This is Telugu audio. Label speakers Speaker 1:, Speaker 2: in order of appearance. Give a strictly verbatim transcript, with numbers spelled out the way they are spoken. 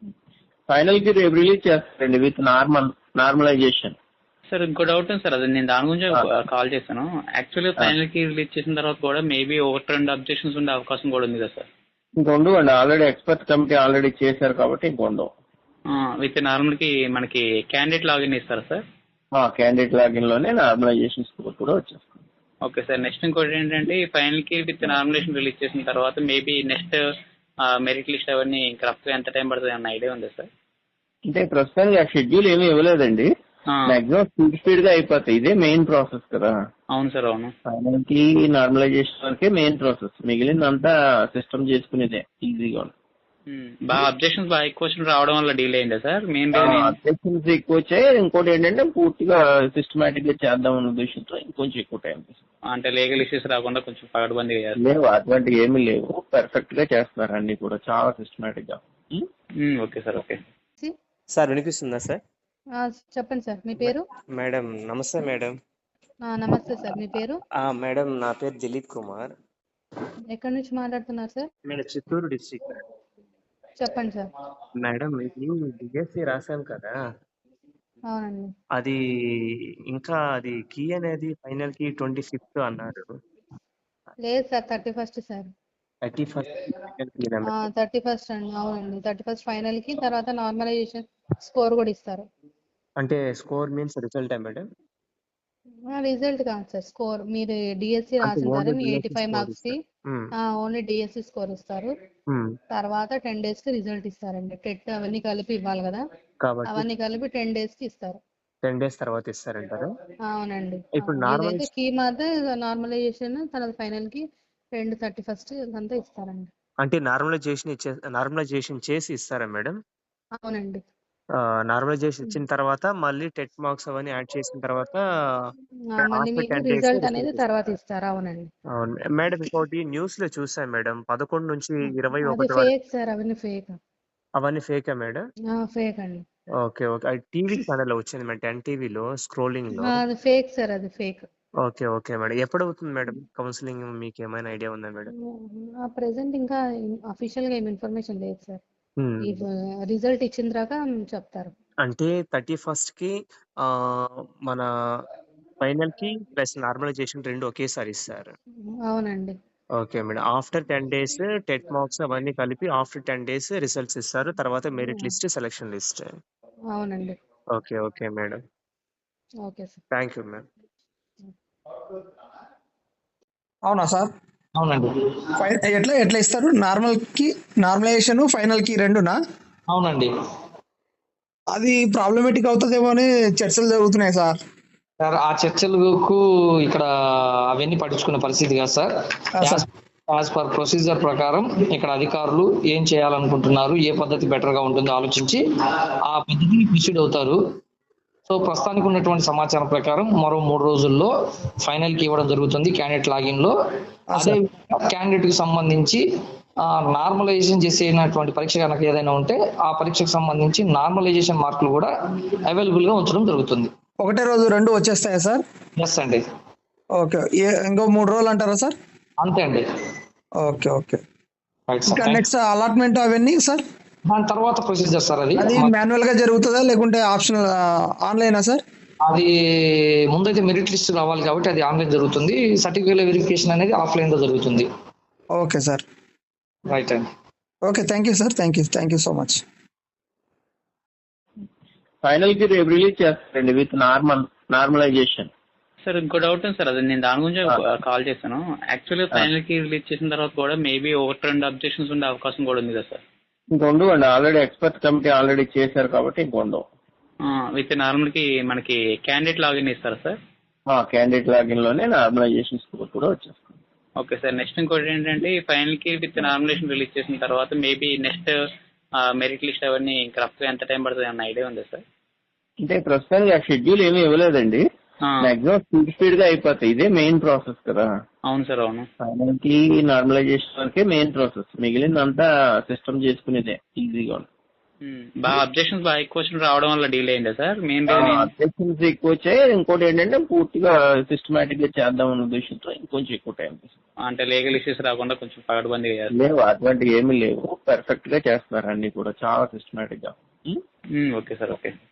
Speaker 1: ఫైనల్ కి రేపు రిలీజ్ చేస్తారండి విత్ నార్మల్ నార్మలైజేషన్.
Speaker 2: సార్ ఇంకో డౌట్ ఉంది సార్, అది నేను దాని గురించి కాల్ చేశాను. యాక్చువల్గా ఫైనల్ కి రిలీజ్ చేసిన తర్వాత కూడా మేబీ ఒకటి రెండు అబ్జెక్షన్స్ ఉండే అవకాశం కూడా ఉంది కదా సార్?
Speaker 1: ఇంకొండు అండి, ఆల్రెడీ ఎక్స్పర్ట్ కమిటీ ఆల్రెడీ చేశారు కాబట్టి ఇంకొండు.
Speaker 2: విత్ నార్మల్ కి మనకి క్యాండిడేట్ లాగిన్ ఇస్తారా సార్?
Speaker 1: క్యాండిడేట్ లాగిన్ లోనే నార్మలైజేషన్ స్కోర్ కూడా వచ్చేస్తుంది.
Speaker 2: Okay sir. నెక్స్ట్ ఇంకోటి ఏంటంటే ఫైనల్ కి విత్ నార్మలైజేషన్ రిలీజ్ చేసిన తర్వాత మేబీ నెక్స్ట్ మెరిట్ లిస్ట్ అవన్నీ ఇంకా రఫ్ గా ఎంత టైం పడుతుంది అన్న ఐడియా ఉంది సార్?
Speaker 1: అంటే ప్రస్తుతానికి ఆ షెడ్యూల్ ఏమీ ఇవ్వలేదండి. మాక్సిమం స్పీడ్ స్పీడ్ గా అయిపోతాయి. ఇదే మెయిన్ ప్రాసెస్ కదా.
Speaker 2: అవును సార్, అవును.
Speaker 1: ఫైనల్ కి నార్మలైజేషన్ వరకే మెయిన్ ప్రాసెస్, మిగిలిందంతా సిస్టమ్ చేసుకునేదే ఈజీగా.
Speaker 2: బాగా అబ్జెక్షన్స్ బాగా ఎక్కువ వచ్చిన రావడం వల్ల డీల్ అయిందా సార్? మెయిన్
Speaker 1: అబ్జెక్షన్స్ ఎక్కువ వచ్చాయి. ఇంకోటి ఏంటంటే పూర్తిగా సిస్టమేటిక్ గా చేద్దాం అన్న ఉద్దేశంతో ఇంకొంచెం ఎక్కువ టైం తీసుకుంటాం.
Speaker 2: అంటే లీగల్ ఇష్యూస్ రాకుండా కొంచెం పగడబంది
Speaker 1: లేవు, అటువంటి ఏమీ లేవు. పర్ఫెక్ట్ గా చేస్తున్నారు అన్ని కూడా, చాలా సిస్టమేటిక్ గా.
Speaker 2: Okay sir. ఓకే
Speaker 3: సార్, వినిపిస్తుందా సార్?
Speaker 4: చెప్పండి సార్, మీ పేరు?
Speaker 3: మేడం నమస్తే మేడం.
Speaker 4: నమస్తే సార్, మీ పేరు?
Speaker 3: మేడం నా పేరు దిలీప్ కుమార్.
Speaker 4: ఎక్కడి నుంచి మాట్లాడుతున్నారు సార్?
Speaker 3: Madam Chittoor district.
Speaker 4: చెప్పండి సార్.
Speaker 3: మేడం ఇది డిఎస్సి రాశాను కదా.
Speaker 4: అవునండి.
Speaker 3: అది ఇంకా అది కీ అనేది ఫైనల్ కి ట్వంటీ ఫిఫ్త్ అన్నారు.
Speaker 4: లేదు sir, thirty first sir.
Speaker 3: Thirty first
Speaker 4: thirty first అండి. అవునండి, థర్టీ ఫస్ట్ ఫైనల్ కి, తర్వాత నార్మలైజేషన్ స్కోర్ కూడా ఇస్తారు.
Speaker 3: అంటే score means result madam?
Speaker 4: Result కాదు సార్, స్కోర్. మీరు డిఎస్సి రాసిన ఎయిటీ ఫైవ్ మార్క్స్ కి ఓన్లీ డిఎస్సి స్కోర్ ఇస్తారు. తర్వాత టెన్ డేస్ కి రిజల్ట్ ఇస్తారండి. టెట్ అవన్నీ కలిపి ఇవ్వాలి కదా, అవన్నీ కలిపి టెన్ డేస్ కి ఇస్తారు.
Speaker 3: టెన్ డేస్ తర్వాత ఇస్తారంటారు?
Speaker 4: అవునండి.
Speaker 3: ఇప్పుడు నార్మల్
Speaker 4: కీ మాత్రం నార్మలైజేషన్ తర్వాత ఫైనల్ కి రెండు థర్టీ ఫస్ట్ అంతా ఇస్తారండి.
Speaker 3: అంటే నార్మలైజేషన్ ఇచ్చే నార్మలైజేషన్ చేసి ఇస్తారా మేడం?
Speaker 4: అవునండి.
Speaker 3: నార్మలైజేషన్ ఇచ్చిన తర్వాత మళ్ళీ టెట్ మార్క్స్ అవన్నీ యాడ్ చేసిన తర్వాత
Speaker 4: రిజల్ట్ అనేది తర్వాత ఇస్తారు. అవునండి.
Speaker 3: అవును మేడం. ఇంకోటి న్యూస్ లో చూసాం మేడం, పదకొండు నుంచి ఇరవై ఒకటి
Speaker 4: ఫేక్ సార్, అవన్నీ ఫేక్.
Speaker 3: అవన్నీ ఫేకా మేడం?
Speaker 4: ఫేక్ అండి.
Speaker 3: Okay okay. అది టీవీ ఛానల్ వచ్చింది మేడం, టెన్ టీవీలో స్క్రోలింగ్ లో.
Speaker 4: అది ఫేక్ సార్, అది ఫేక్.
Speaker 3: Okay okay madam. ఎప్పుడు అవుతుంది మేడం కౌన్సిలింగ్? మీకు ఏమైనా ఐడియా ఉందా మేడం?
Speaker 4: ప్రెసెంట్ ఇంకా అఫీషియల్ గా ఏం ఇన్ఫర్మేషన్ లేదు సార్. రిజల్ట్ ఇచ్చిన తర్వాత చెప్తారు.
Speaker 3: అంటే థర్టీ ఫస్ట్ కి ఆ మన ఫైనల్ కి ప్లస్ నార్మలైజేషన్ రెండు ఒకేసారి ఇస్తారు.
Speaker 4: అవునండి.
Speaker 3: Okay madam. After ten days TET marks అవన్నీ కలిపి ఆఫ్టర్ టెన్ డేస్ రిజల్ట్స్ ఇస్తారు. తర్వాత మెరిట్ లిస్ట్, సెలక్షన్ లిస్ట్.
Speaker 4: అవునండి.
Speaker 3: Okay okay madam.
Speaker 4: Okay sir.
Speaker 3: Thank you ma'am.
Speaker 5: అవునా సార్?
Speaker 6: అవునండి.
Speaker 5: ఎట్లా ఎట్లా ఇస్తారు? నార్మల్ కి నార్మలైజేషన్ ఫైనల్ కి రెండునా?
Speaker 6: అవునండి.
Speaker 5: అది ప్రాబ్లమేటిక్ అవుతుందేమో అని చర్చలు జరుగుతున్నాయి సార్.
Speaker 6: సార్ ఆ చర్చలకు ఇక్కడ అవన్నీ పట్టించుకునే పరిస్థితి కాదు సార్. యాజ్ పర్ ప్రొసీజర్ ప్రకారం ఇక్కడ అధికారులు ఏం చేయాలనుకుంటున్నారు, ఏ పద్ధతి బెటర్ గా ఉంటుందో ఆలోచించి ఆ పద్ధతిని ప్రొసీడ్ అవుతారు. సో ప్రస్తుతానికి ఉన్నటువంటి సమాచారం ప్రకారం మరో మూడు రోజుల్లో ఫైనల్ కి ఇవ్వడం జరుగుతుంది క్యాండిడేట్ లాగిన్ లో. అదే క్యాండిడేట్ కి సంబంధించి నార్మలైజేషన్ చేసేటువంటి పరీక్ష కనుక ఏదైనా ఉంటే ఆ పరీక్షకు సంబంధించి నార్మలైజేషన్ మార్కులు కూడా అవైలబుల్ గా ఉంచడం జరుగుతుంది.
Speaker 5: ఒకటే రోజు రెండు వచ్చేస్తాయా సార్?
Speaker 6: ఎస్ అండి.
Speaker 5: ఓకే. ఇంకో మూడు రోజులు అంటారా సార్?
Speaker 6: అంతే అండి.
Speaker 5: Okay okay. ఇంకా నెక్స్ట్ అలాట్మెంట్ అవన్నీ సార్
Speaker 6: దాని తర్వాత ప్రొసీజర్ సార్. అది
Speaker 5: అది మాన్యువల్ గా జరుగుతుందా లేకుంటే ఆప్షనల్ ఆన్లైనా సార్?
Speaker 6: అది ముందైతే మెరిట్ లిస్ట్ రావాలి కాబట్టి అది ఆన్లైన్ జరుగుతుంది. సర్టిఫికేట్ వెరిఫికేషన్ అనేది ఆఫ్లైన్ లో జరుగుతుంది.
Speaker 5: Okay sir.
Speaker 6: రైట్ అండి.
Speaker 5: Okay, thank you sir. Thank you thank you so much.
Speaker 1: Final కి రేపు రిలీజ్ చేస్తారండి విత్ నార్మల్ నార్మలైజేషన్.
Speaker 2: సార్ ఇంకో డౌట్ ఉంది సార్, అది నేను దాని గురించి కాల్ చేశాను. యాక్చువల్గా ఫైనల్ కి రిలీజ్ చేసిన తర్వాత కూడా మేబీ ఒకటి రెండు అబ్జెక్షన్స్ ఉండే అవకాశం కూడా ఉంది కదా సార్?
Speaker 1: ఇంకొండు అండి, ఆల్రెడీ ఎక్స్పర్ట్ కమిటీ ఆల్రెడీ చేశారు కాబట్టి ఇంకొండు.
Speaker 2: విత్ నార్మల్ కి మనకి క్యాండిడేట్ లాగిన్ ఇస్తారా సార్?
Speaker 1: క్యాండిడేట్ లాగిన్ లోనే నార్మలైజేషన్ స్కోర్ కూడా వచ్చేస్తుంది.
Speaker 2: Okay sir. నెక్స్ట్ ఇంకోటి ఏంటంటే ఫైనల్ కి విత్ నార్మలైజేషన్ రిలీజ్ చేసిన తర్వాత మేబీ నెక్స్ట్ మెరిట్ లిస్ట్ అవన్నీ ఇంకా రఫ్ గా ఎంత టైం పడుతుంది అన్న ఐడియా ఉందా సార్?
Speaker 1: అంటే ప్రస్తుతానికి ఆ షెడ్యూల్ ఏమీ ఇవ్వలేదండి. మాక్సిమం స్పీడ్ స్పీడ్ గా అయిపోతాయి. ఇదే మెయిన్ ప్రాసెస్ కదా.
Speaker 2: అవును సార్, అవును.
Speaker 1: ఫైనల్ కి నార్మలైజేషన్ వరకే మెయిన్ ప్రాసెస్, మిగిలిందంతా సిస్టమ్ చేసుకునేదే ఈజీగా.
Speaker 2: బాగా అబ్జెక్షన్స్ బాగా ఎక్కువ వచ్చిన రావడం వల్ల డీలే అయిందా సార్? మెయిన్
Speaker 1: అబ్జెక్షన్స్ ఎక్కువ వచ్చాయి. ఇంకోటి ఏంటంటే పూర్తిగా సిస్టమేటిక్ గా చేద్దాం అన్న ఉద్దేశంతో ఇంకొంచెం ఎక్కువ టైం తీసుకుంది.
Speaker 2: అంటే లీగల్ ఇష్యూస్ రాకుండా కొంచెం పగడబంది
Speaker 1: లేవు, అటువంటి ఏమీ లేవు. పర్ఫెక్ట్ గా చేస్తున్నారు అన్ని కూడా చాలా సిస్టమేటిక్ గా.
Speaker 2: Okay sir, okay.